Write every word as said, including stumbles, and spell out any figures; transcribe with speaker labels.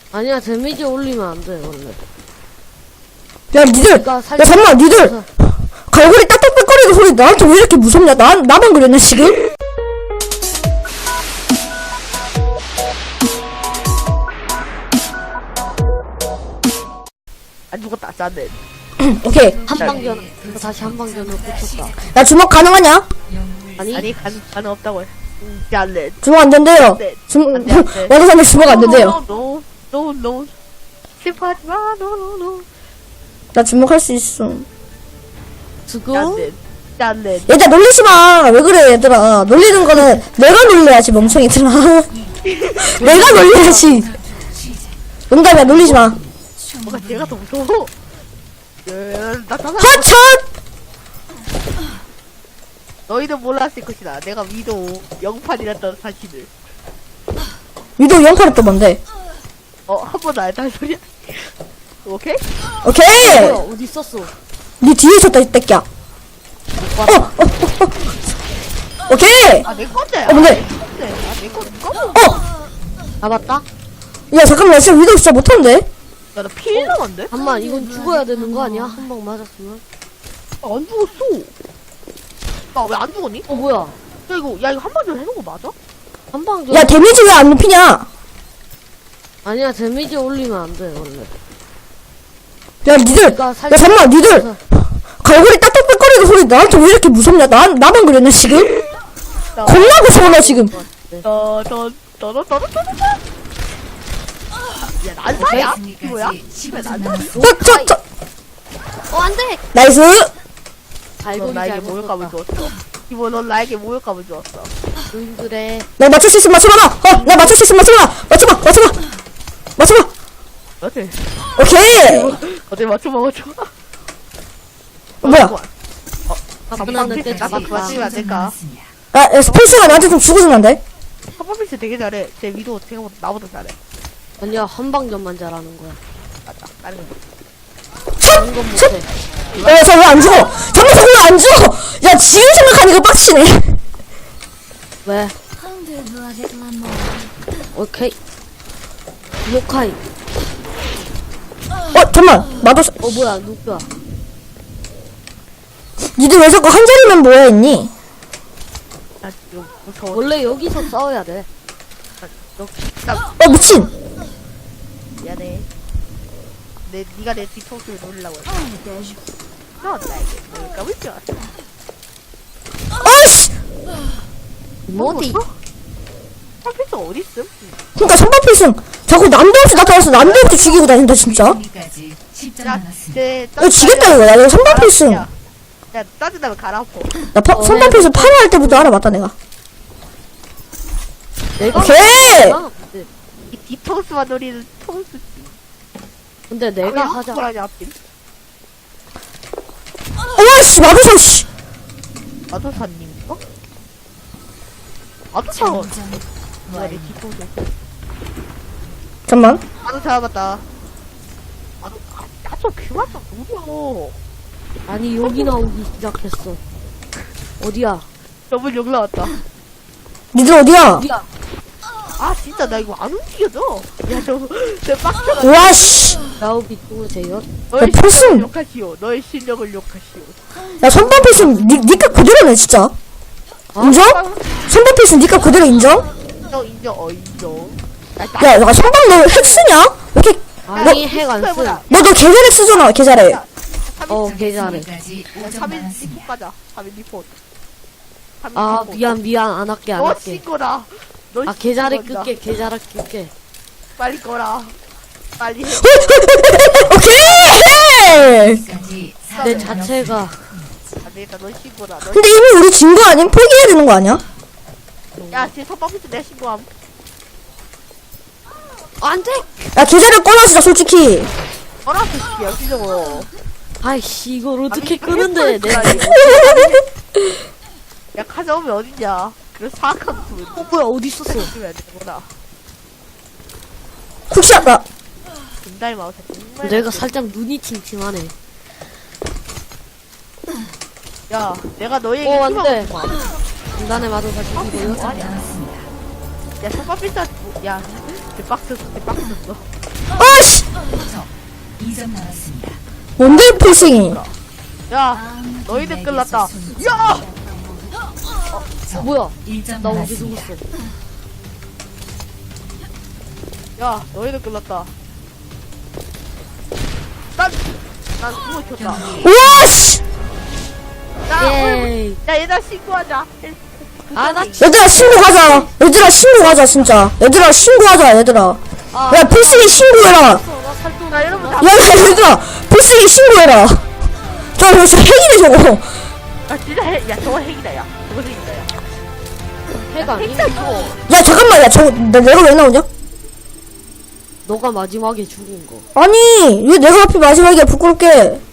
Speaker 1: 아니야, 데미지 올리면 안 돼, 원래.
Speaker 2: 야, 니들! 야,
Speaker 1: 그러니까 살짝
Speaker 2: 잠깐만, 니들!
Speaker 1: 그래서-
Speaker 2: 갈고리 딱딱딱거리는 소리 나한테 왜 이렇게 무섭냐? 나, 나만 그랬나, 지금?
Speaker 3: 안 죽었다, 짠데.
Speaker 2: 오케이.
Speaker 1: 한방전, 이거 다시 한방전으로 꽂혔다.
Speaker 2: 야, 주먹 가능하냐?
Speaker 1: 아니,
Speaker 3: 아니, 간, 가능 없다고 해. 음, 짠데.
Speaker 2: 주먹 안 된대요.
Speaker 3: 네.
Speaker 2: 주먹,
Speaker 3: 안 돼, 안 돼.
Speaker 2: 와드사님 주먹 안 된대요.
Speaker 3: 노, 노, 노, 노. 슬퍼하지 마, 노, 노, 노.
Speaker 2: 나 주먹 할 수 있어.
Speaker 1: 수고.
Speaker 3: 짠데. 짠데.
Speaker 2: 얘들아, 놀리지 마! 왜 그래, 얘들아. 놀리는 거는 내가 놀려야지, 멍청이들아. 내가 놀려야지. 농담이야, 놀리지 마.
Speaker 3: 뭔가 제가 더 무서워. 예, 나 짠다.
Speaker 2: 하천!
Speaker 3: 너희는 몰랐을 것이다. 내가 위도 영판이랬던 사실을.
Speaker 2: 위도 영팔이 또 뭔데?
Speaker 3: 어, 한 번도 안 했다는 소리야? 오케이?
Speaker 2: 오케이!
Speaker 1: 뭐야, 어디 있었어?
Speaker 2: 니 뒤에 있었다, 이 떼끼야. 어, 어, 어, 어. 오케이!
Speaker 3: 아, 내 건데.
Speaker 2: 어, 뭔데?
Speaker 3: 내 건데. 아, 내 건데. 꺼.
Speaker 2: 어!
Speaker 1: 잡았다?
Speaker 2: 야, 잠깐만, 나 진짜 위도 진짜 못하는데?
Speaker 3: 야, 나 피일 남았는데?
Speaker 1: 잠만, 이건 죽어야 되는 거 아니야? 한 방 맞았으면?
Speaker 3: 아, 안 죽었어. 나 왜 안 죽었니?
Speaker 1: 어, 뭐야?
Speaker 3: 야, 이거, 야, 이거 한 번 전에 해놓은 거 맞아?
Speaker 1: 한방전.
Speaker 2: 야, 데미지 왜 안 높이냐?
Speaker 1: 아니야, 데미지 올리면 안 돼, 원래.
Speaker 2: 야, 니들!
Speaker 1: 그러니까
Speaker 2: 야,
Speaker 1: 살짝
Speaker 2: 잠깐만, 니들!
Speaker 1: 그래서-
Speaker 2: 갈고리 딱딱딱거리는 소리 나한테 왜 이렇게 무섭냐? 나, 나만 그랬나, 지금? 겁나 무서워, 나 지금.
Speaker 3: 더, 더, 더, 더, 더, 더, 더, 더. 야, 난사야? 뭐야? 씨발, 난사야?
Speaker 2: 저, 저, 저!
Speaker 1: 어, 안 돼!
Speaker 2: 나이스!
Speaker 3: 넌
Speaker 1: 갈고리
Speaker 3: 나에게
Speaker 1: 잘못
Speaker 3: 모욕감을
Speaker 1: 썼다.
Speaker 3: 주었어. 이모, 넌 나에게 모욕감을 주었어.
Speaker 1: 응, 그래.
Speaker 2: 나 맞출 수 있으면 맞춰봐라! 어, 나 맞출 수 있으면 맞춰봐! 맞춰봐! 맞춰봐! 맞춰봐!
Speaker 3: 어때?
Speaker 2: 오케이!
Speaker 3: 어때? 맞춰봐, 맞춰봐.
Speaker 2: 뭐야?
Speaker 1: 가뿐한데
Speaker 3: 나도
Speaker 1: 잡았다.
Speaker 3: 맞추면 안 될까?
Speaker 2: 아, 야, 스페이스가 나한테 좀 죽어주면 안 돼?
Speaker 3: 서퍼필스 되게 잘해. 제 위도 생각보다 나보다 잘해.
Speaker 1: 아니야, 한방전만 잘하는 거야.
Speaker 3: 맞다. 다른 거.
Speaker 1: 다른 건 못해.
Speaker 2: 야, 저 왜 안 죽어? 잠깐, 저거 왜안 죽어? 야, 지금 생각하니까 빡치네.
Speaker 1: 왜? 오케이. 모카이.
Speaker 2: 어, 잠만. 나도, 사-
Speaker 1: 어, 뭐야, 누구야?
Speaker 2: 니들 왜 자꾸 한 자리면 모여있니?
Speaker 3: 나 지금 무서워.
Speaker 1: 원래 여기서 싸워야 돼.
Speaker 3: 너, 나
Speaker 2: 어, 미친!
Speaker 3: 미안해. 내, 니가 내 뒤통수를 노리려고 했어. 너 나에게 모욕감을 주었어.
Speaker 2: 아이씨!
Speaker 1: 뭐디?
Speaker 3: 서퍼필스 어딨음?
Speaker 2: 그니까 선발필승 자꾸 남도 없이 나타나서 남도 없이 죽이고 다닌다, 진짜.
Speaker 3: 야, 제,
Speaker 2: 야, 지겠다, 이거. 야, 이거 선발필승.
Speaker 3: 야, 야, 짜증나면 가라, 아파.
Speaker 2: 나 파, 선발필승 팔 할 때부터 알아봤다, 내가.
Speaker 1: 내가
Speaker 2: 오케이!
Speaker 1: 하자. 근데,
Speaker 3: 이 뒤통수만 노리는 통수지.
Speaker 1: 근데 내가 하자.
Speaker 3: 하냐, 하필.
Speaker 2: 어와씨, 마도사, 씨!
Speaker 3: 아도사님인가? 아도사, 뭐야, 내 뒤통수.
Speaker 2: 잠만.
Speaker 3: 아도 잡았다. 아도, 아, 나좀 그만 좀 노려.
Speaker 1: 아니, 여기 나오기 시작했어. 어디야?
Speaker 3: 저분 여기 나왔다.
Speaker 2: 니들 어디야?
Speaker 1: 어디야?
Speaker 3: 아, 진짜 나 이거 안 움직여져. 야, 저, 저 빡쳐가.
Speaker 2: 와씨!
Speaker 1: 나오기 누구세요?
Speaker 3: 너의
Speaker 2: 야, 필승!
Speaker 3: 실력을 욕하시오. 너의 실력을 욕하시오.
Speaker 2: 야, 선발필승 니, 니값 그대로네, 진짜. 인정? 선발필승 니값 그대로 인정?
Speaker 3: 인정, 인정, 어, 인정. 나, 나,
Speaker 2: 야, 야, 선발 너 핵 쓰냐? 왜 이렇게,
Speaker 1: 아니, 핵 안 쓰.
Speaker 2: 너, 너 계좌를 쓰잖아, 계좌를.
Speaker 1: 어, 계좌래.
Speaker 3: 삼 인 리포트 가자. 삼 인 리포트. 삼 인
Speaker 1: 아,
Speaker 3: 리포트.
Speaker 1: 미안, 미안. 안 할게, 안
Speaker 3: 너
Speaker 1: 할게.
Speaker 3: 신거라. 너
Speaker 1: 아, 계좌를
Speaker 3: 신고한다.
Speaker 1: 끌게, 계좌를 끌게.
Speaker 3: 빨리 꺼라. 빨리 해.
Speaker 2: 오케이!
Speaker 1: 내 자체가.
Speaker 3: 안 되겠다. 너 신고라. 너
Speaker 2: 근데 이미 우리 진 거 아님? 포기해야 되는 거 아니야?
Speaker 3: 야, 지금 선방피스 내가 신고함.
Speaker 1: 안 돼!
Speaker 2: 야, 계좌를 꺼놔주자, 솔직히.
Speaker 3: 어라, 그 새끼야, 신정으로.
Speaker 1: 아이씨, 이걸 어떻게
Speaker 3: 아니,
Speaker 1: 끄는데, 내.
Speaker 3: 헷갈려. 야, 가져오면 어딨냐. 그래서 사악한 분.
Speaker 1: 어, 뭐야, 어디 있었어?
Speaker 3: 주면 되구나.
Speaker 2: 혹시, 나,
Speaker 3: 김달 마우스 정말.
Speaker 1: 내가 살짝 눈이 침침하네.
Speaker 3: 야, 내가 너에게
Speaker 1: 어, 안
Speaker 3: 희망을
Speaker 1: 돼.
Speaker 3: 주마.
Speaker 1: 중간에 맞아서 죽이고요.
Speaker 3: 야, 선방피스, 야, 빡쳤어, 빡쳤어.
Speaker 2: 아씨! 뭔데, 필승이?
Speaker 3: 야, 너희들 끌랐다. 야!
Speaker 1: 뭐야? 나 언제 죽었어?
Speaker 3: 야, 너희들 끌랐다. 난, 난 숨을 켰다.
Speaker 2: 우와, 씨!
Speaker 3: 야,
Speaker 1: 예이.
Speaker 3: 야, 얘들아, 신고하자.
Speaker 1: 아, 나
Speaker 2: 얘들아, 신고하자. 얘들아, 신고하자, 진짜. 얘들아, 신고하자, 얘들아.
Speaker 1: 아,
Speaker 2: 야, 필승이 신고해라.
Speaker 1: 나 살도
Speaker 3: 나 여러분 다,
Speaker 2: 야, 야, 얘들아, 필승이 신고해라. 저, 저, 저, 핵이네, 저거.
Speaker 3: 아, 진짜 핵, 야, 저거 핵이다, 야. 저거 핵이다, 야.
Speaker 1: 해가 아니.
Speaker 3: 핵이다, 이거.
Speaker 2: 야, 잠깐만, 야, 저, 내, 내가 왜 나오냐?
Speaker 1: 너가 마지막에 죽은 거.
Speaker 2: 아니, 왜 내가 하필 마지막에 부끄럽게.